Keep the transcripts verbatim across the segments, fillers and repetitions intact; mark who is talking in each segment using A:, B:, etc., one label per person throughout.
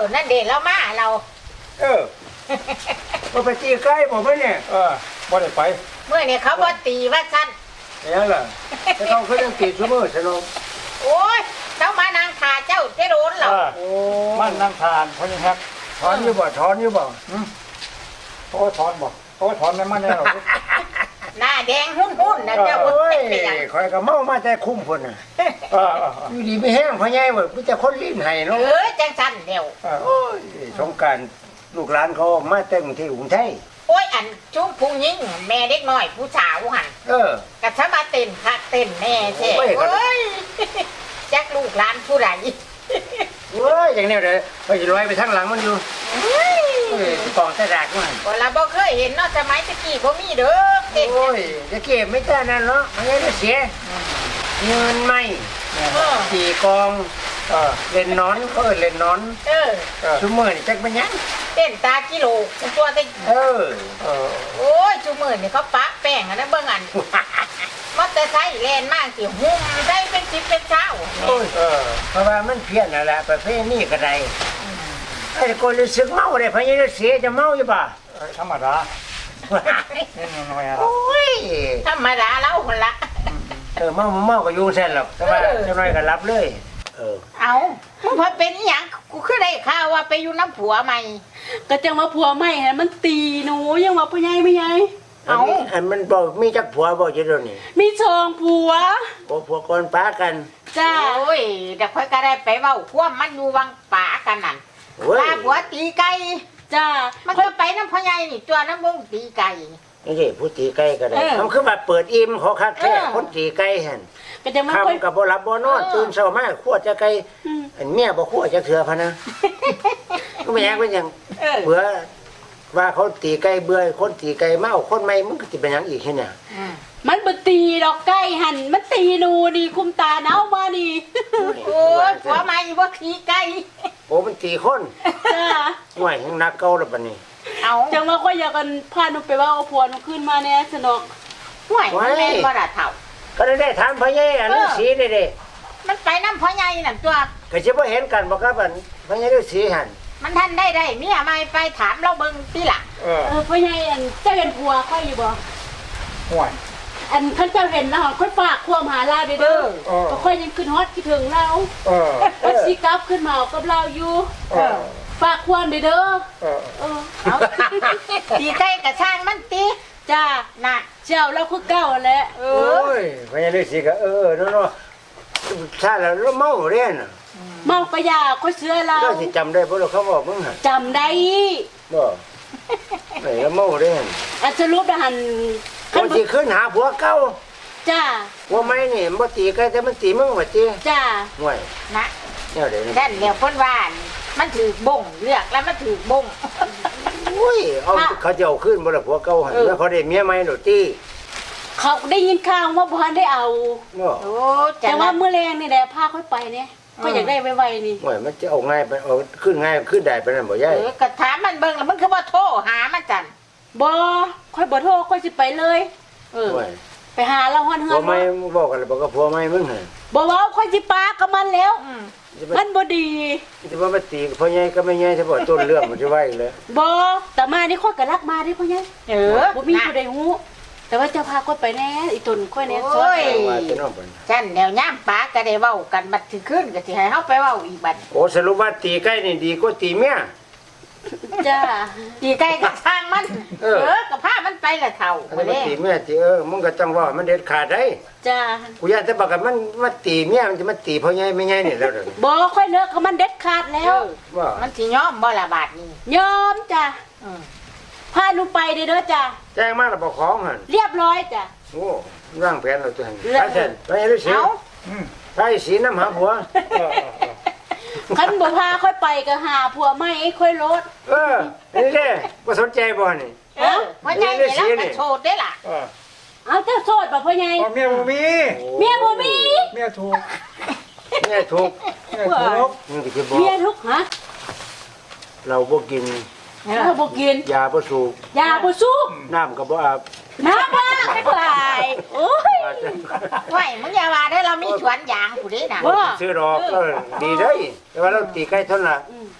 A: นั่นเด็ดแล้วมาเรา
B: เออมาไปตีใกล้บอกไหมเนี่ย
C: เออบ่ได้ไป
A: เมื่อเนี่ยเขาบ่ตีว่าสั้น
B: นี่แหละแต่เขาเขายังตีชั่วโมงสนุก
A: โอ้ยเจ้ามานางขาเจ้าเจ้าโดนหรอ
C: โอ้มันนั่งทานเพราะยังครับ
B: ถอนอยู่บ่ถอนอยู่บ่
C: โอ้ถอนบ่โอ้ถอนไม่มันแน่หรอก
A: หน้าแดงหุ่นหุ่นนะเจ้า
B: โอ้ยคอยก็เมามาแต่คุ้มคนน่ะอยู่ดีไม่แห้งพะไงเว้ยพี่จะคนลิ้นไห้เนาะ
A: เออจังสั้นเดียว
B: โอ้ยสงการลูกหลานเขามาแต่งที่กรุงไทย
A: โอ้ยอันจุ้มผู้หญิงแม่เด็กน้อยผู้สาวหัน
B: เออ
A: กัะมาเต้นคักเต้นแน่แท้โอ้ยจักลูกหลานผู้ใด
B: เว้ยอย่างนี้เลยไปลอยไปทางหลังมันอยู่เฮ้ยกองแต่ดักมัน
A: ก็เราบ่เคยเห็นเนาะสมัยตะกี้บ่มีเด้อ
B: โอ้ยจะเก็บไม่ได้นั่นเนาะมันจะเสียเงินไม่สี่กองเล่นนอนก็เล่นนอน
A: เออ
B: ชั่วโมงนี่จักมันยัง
A: เต้นตากิโลตัวเต้
B: เออ
A: โอ้ยชั่วโมงนี่เขาปะแป้งอันนั้นเบิ่งอันมอเตอร์ไซค์แล่นมากสิหุ่มได้เป็นสิบเป็นเช้า
B: โอ้ยเพราะว่ามันเพี้ยนนั่นแหละประเภทนี้ก็ได้ไอ้คนรู้สึกเมาเลยพะยังเสียจะเมาอยู่ป่ะ
C: ธรรมดาเนี่ยน้อยๆ
A: โอ้ยธรรมดาแล้วคนละ
B: เออเมาเมาก็ยุ่งเส้นหรอกแต่ว่าจะน้อยก็รับเลยเออ
A: เอามึงพอเป็นหยังกูคือได้ข่าวว่าไปอยู่น้ำผัวใหม่
D: ก็จังว่าผัวใหม่ฮะมันตีหนูยังว่าพ่อใหญ่ไม่ใหญ่
B: เอาอันมันบอกมีจักผัวบอกจะโดนนี่
D: มีชองผัว
B: โอ้ผัวคนป้ากัน
A: จ้าโอ้ยเดี๋ยวค่อยก็ได้ไปเว้าควมมันอยู่วังป่ากันนั่นลาผัวตีไก่
D: จ้า
A: มันก็ไปน้ำพ่อใหญ่นี่ตัวน้ำมึงตีไก่
B: นี่สิผู้ตีไก่ก็ได้มันคือแบบเปิดอิ่มเขาคักแค่คนตีไก่เห็น
D: ก็จะมา
B: ค่อยกับบ่หลับบ่นอนตื่นเช้ามาขวดจะไก่อันเมียบ่ขวดจะเถื่อพะนะก็ไม่อยากเป็นอย่างเบื่อว่าเขาตีไก่เบื่อคนตีไก่เมาคนไม่มึงก็จะเป็นอย่างอีกแค่เนี่ย
D: มันบ่ตีดอกไก่หันมันตีหนูดีคุมตาเนามาดี
A: โอ้ยผัวใหม่บ่ตีไก่
B: โอ้มันตีคน
D: จ้า
B: ห่วยยังนักเก่าแล้วบัดนี้
A: เอา
D: จังว่าก็อยากกันพาหนูไปว่าเอาผัวหนูขึ้นมาแน่สนอก
A: ห่วยมันเล่นบ่ล่ะเฒ่า
B: ก็ได้ถามพ่อใหญ่อันนี้สีนี่เด้
A: มันไปน้ำพ่อใหญ่นั่นตัว
B: ก็สิบ่เห็นกันบ่ครับอันพ่อใหญ่ฤาษีหั่น
A: มันท่านได้ได้เมียใหม่ไปถามเราเบิ่งติล่ะ
D: เออพ่อใหญ่อันเจ้าเห็นผัวค่อยอยู่บ่
C: ห่วย
D: อันคันเจ้าเห็นแล้วค่อยฝากความหาลาเด้อก็ค่อยยังขึ้นฮอตคิดถึงเราเออก็สิกลับขึ้นมากับเราอยู่เออฝากความเด้อเด้อเออเออเอา
A: ตีไก่กะช่างมันตี
D: จ้าน่ะเจ้าเราคือเก่าแหละ
B: โอ้ยพ่อใหญ่ฤาษีก็เออเนาะๆถ้าแล้วเมาเรียนน่ะ
D: เมากะยาค่อยเชื่อเรา
B: เราสิจำได้บ่ล่ะเขาบอกมึงหั่น
D: จำได้
B: บ่ไหนแล้วเมาเรียน
D: อันสรุปหัน
B: คนสิขึ้นหาผัวเก่า
D: จ้า
B: ผัวใหม่นี่บ่ตีไก่แต่มันตีมึงว่าติ
D: จ้า
B: ห่วย
A: นะ
B: แนวใดนี่
A: นั่นแล้วเพิ่นว่ามันถือบ่งเลือกแล้วมันถือบ่ง
B: อุ้ยเอาเขาจะเอาขึ้นบ่ล่ะผัวเก่าหั่นแล้วเขาได้เมียใหม่โดดติ
D: เขาได้ยินข่าวว่าบ่ทันได้เอา
A: โอ้
D: แต่ว่ามื้อแรงนี่แหละพาค่อยไปเนี่ยก็อยากได้ไวๆนี่
B: ห่วยมันจะเอาง่ายไปเอาขึ้นง่ายขึ้นได้ปานนั้นบ่ยาย
A: เออก็ถามมันเบิ่งแล้วมันคือบ่โทรหามันจัน
D: บ่ค่อยบ่โทรค่อยสิไปเลยเออไปหาเราฮ้อนเฮือน
B: บ่ไม่บอกกันบอกกับผัวใหม่มึงหั่น
D: บ่เว้าค่อยสิปากับมันแล้วมันบ่ดี
B: สิว่ามาตีพ่อใหญ่ก็ไม่ใหญ่สิบ่ต้นเรื่องมันสิว่าอีกเลย
D: บ่แต่มานี่ค่อยก็รักมาดิพ่อใหญ่
A: เออ
D: บ่มีผู้ใดฮู้แต่ว่าจะพาค่อยไปแน่อีตนค่อยแน่
A: ซอยฉันแนวย่ามปาก็ได้เว้ากันบัดสิขึ้นก็สิให้เฮาไปเว้าอีกบัด
B: โอ้สรุปว่าตีไก่นี่ดีกว่าตีเมีย
D: จ้า
A: ตีไก่ก็ทางมันเออก็พามันไปละเฒ่า
B: บ่ได้ตีเมียตีเออมึงก็ต้องว่ามันเด็ดขาดได้
D: จ้า
B: กูอยากจะบอกกันมันมาตีเมียมันจะมาตีพ่อใหญ่ไม่ใหญ่นี่แล้วเด้อ
D: บ่ค่อยเลิกกับมันเด็ดขาดแล้ว
B: ว่า
A: มันสิยอมบ่ล่ะบาดนี้
D: ยอมจ้าอือพาหนูไปเด้อจ้า
B: แจ้งมาแล้วบ่ของหั่น
D: เรียบร้อยจ้า
B: โอ้ร่างแผนแล้วตัวหั่นไปเถิดไปฤาษีอือไปสีน้ำหาผัว
D: คันบ่พาค่อยไปก็หาผัวใหม่ค่อยลด
B: เออนี่เด้บ่สนใจบ่นี่
A: เออพ่อใหญ่นี่แล้วโชดได้ล่ะ
D: เออเอาเจ้าโสดบ่พ่อใหญ่
C: เมียบ่มี
D: เมียบ่มี
C: เมียถูก
B: เมียถูก
C: เมียถูก
D: เมียทุกฮะ
B: เราบ่กิน
D: เราบ่กิน
B: ยาบ่สูบ
D: ยาบ่สูบ
B: น้ำก็บ่อาบ
D: น้ำบ่อาบไปโอ้ย
A: ไว้มึงอย่าว่าเด้อเรามีสวนยางผู้ใดน่ะ
B: ซื้อดอกเออดีเด้แต่ว่าเราตีไก่เท่านั้นล่ะ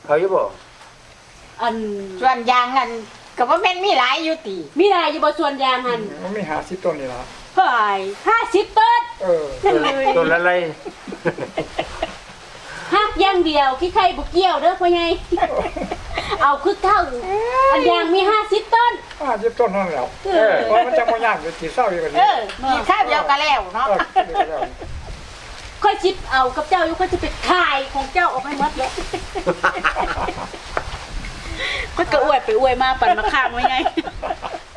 B: เอาอยู่บ่
D: อัน
A: ส่วนยางนั่นก็บ่แม่นมีหลายอยู่ติ
D: มีได้อยู่บ่ส่วนยางหั่น
C: มันมีหาสิบต้นนี่ล่ะ
D: เฮ้ยห้าสิบต้น
C: เออ
B: ต้นต้นละไร
D: หักอย่างเดียวขี้ไข่บ่เกี่ยวเด้อพ่อใหญ่เอาคือเก่าอันยางมีห้าสิบต้น
C: ห้าสิบต้นนั่นแหละ
D: เออ
C: เพราะมันจะบ่ยากอยู่ที่เศร้าอยู่กัน
A: เอ
C: นี่
A: อกินข้าวเดียวก็แล้วเนาะ
C: เออเดี๋ยวแล้ว
D: ค่อยชิปเอากับเจ้าอยู่ค่อยจะไปขายของเจ้าออกให้หมดเลยก็กระอวยไปอวยมาปั่นมาข้างไว้ไง